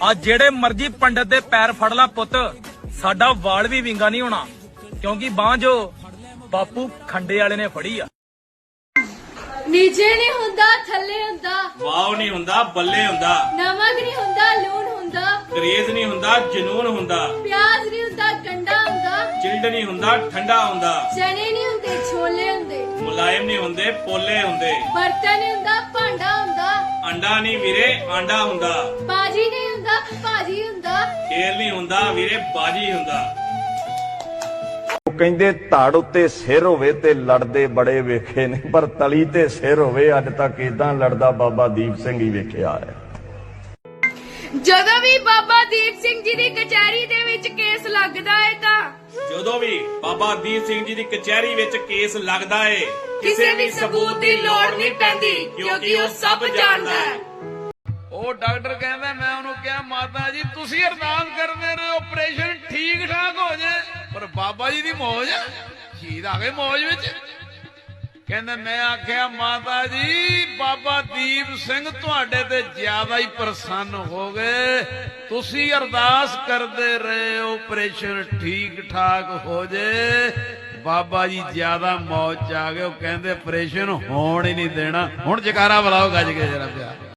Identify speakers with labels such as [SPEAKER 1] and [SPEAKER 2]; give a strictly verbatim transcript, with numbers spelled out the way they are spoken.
[SPEAKER 1] ਆ ਜਿਹੜੇ ਮਰਜੀ ਪੰਡਤ ਦੇ ਪੈਰ ਫੜ ਲਾ ਪੁੱਤ, ਸਾਡਾ ਵਾਲ ਵੀ ਵਿੰਗਾ ਨਹੀਂ ਹੋਣਾ, ਕਿਉਂਕਿ ਬਾਂਹ ਜੋ ਬਾਪੂ ਖੰਡੇ ਵਾਲੇ ਨੇ ਫੜੀ ਆ।
[SPEAKER 2] ਨੀਚੇ ਨਹੀਂ ਹੁੰਦਾ ਥੱਲੇ ਹੁੰਦਾ,
[SPEAKER 1] ਵਾਓ ਨਹੀਂ ਹੁੰਦਾ ਬੱਲੇ ਹੁੰਦਾ,
[SPEAKER 2] ਨਮਕ ਨਹੀਂ ਹੁੰਦਾ ਲੂਣ ਹੁੰਦਾ,
[SPEAKER 1] ਕਰੇਜ਼ ਨਹੀਂ ਹੁੰਦਾ ਜਨੂਨ ਹੁੰਦਾ,
[SPEAKER 2] ਪਿਆਜ਼ ਨਹੀਂ ਹੁੰਦਾ ਗੰਡਾ ਹੁੰਦਾ,
[SPEAKER 1] ਚਿਲਡ ਨਹੀਂ ਹੁੰਦਾ ਠੰਡਾ ਹੁੰਦਾ,
[SPEAKER 2] ਚਨੇ ਨਹੀਂ ਹੁੰਦੇ ਛੋਲੇ ਹੁੰਦੇ,
[SPEAKER 1] ਮੁਲਾਇਮ ਨਹੀਂ ਹੁੰਦੇ ਪੋਲੇ ਹੁੰਦੇ,
[SPEAKER 2] ਬਰਤਨ ਨਹੀਂ ਹੁੰਦਾ ਭਾਂਡਾ ਹੁੰਦਾ,
[SPEAKER 1] ਅੰਡਾ ਨਹੀਂ ਵੀਰੇ ਆਂਡਾ ਹੁੰਦਾ,
[SPEAKER 2] ਬਾਜੀ ਨਹੀਂ ਹੁੰਦਾ ਭਾਜੀ ਹੁੰਦਾ,
[SPEAKER 1] ਖੇਲ ਨਹੀਂ ਹੁੰਦਾ ਵੀਰੇ ਬਾਜੀ ਹੁੰਦਾ।
[SPEAKER 3] ਕਹਿੰਦੇ ਧੜ ਉੱਤੇ ਸਿਰ ਹੋਵੇ ਤੇ ਲੜਦੇ ਬੜੇ ਵੇਖੇ ਨੇ, ਪਰ ਤਲੀ ਤੇ ਸਿਰ ਹੋਵੇ ਅੱਜ ਤੱਕ ਇਦਾਂ ਲੜਦਾ ਬਾਬਾ ਦੀਪ ਸਿੰਘ ਹੀ ਵੇਖਿਆ ਹੈ।
[SPEAKER 2] ਜਦੋਂ ਵੀ ਬਾਬਾ ਦੀਪ ਸਿੰਘ ਜੀ ਦੀ ਕਚਹਿਰੀ ਦੇ ਵਿੱਚ ਕੇਸ ਲੱਗਦਾ ਹੈ ਤਾਂ
[SPEAKER 1] ਜਦੋਂ ਵੀ ਬਾਬਾ ਦੀਪ ਸਿੰਘ ਜੀ ਦੀ ਕਚਹਿਰੀ ਵਿੱਚ ਕੇਸ ਲੱਗਦਾ ਏ,
[SPEAKER 2] ਕਿਸੇ ਵੀ ਸਬੂਤ ਦੀ ਲੋੜ ਨਹੀਂ ਪੈਂਦੀ, ਕਿਉਂਕਿ ਉਹ ਸਭ ਜਾਣਦਾ ਹੈ।
[SPEAKER 4] ਉਹ ਡਾਕਟਰ ਕਹਿੰਦਾ, ਮੈਂ ਉਹਨੂੰ ਕਿਹਾ ਮਾਤਾ ਜੀ ਤੁਸੀਂ ਅਰਦਾਸ ਕਰਦੇ ਰਹੇ ਆਪਰੇਸ਼ਨ ਠੀਕ ਠਾਕ ਹੋ ਜਾਏ, ਪਰ ਬਾਬਾ ਜੀ ਦੀ ਮੌਜ, ਸ਼ਹੀਦ ਆ ਗਏ ਮੌਜ ਵਿੱਚ। ਕਹਿੰਦਾ ਮੈਂ ਆਖਿਆ ਮਾਤਾ ਜੀ ਬਾਬਾ ਦੀਪ ਸਿੰਘ ਤੁਹਾਡੇ ਤੇ ਜ਼ਿਆਦਾ ਹੀ ਪ੍ਰਸੰਨ ਹੋ ਗਏ, ਤੁਸੀਂ ਅਰਦਾਸ ਕਰਦੇ ਰਹੇ ਆਪਰੇਸ਼ਨ ਠੀਕ ਠਾਕ ਹੋ ਜਾਏ, ਬਾਬਾ ਜੀ ਜ਼ਿਆਦਾ ਮੌਜ ਚ ਆ ਗਏ। ਉਹ ਕਹਿੰਦੇ ਆਪਰੇਸ਼ਨ ਹੋਣ ਹੀ ਨਹੀਂ ਦੇਣਾ। ਹੁਣ ਜਕਾਰਾ ਬੁਲਾਓ ਗੱਜ ਕੇ ਜਰਾ ਪਿਆ।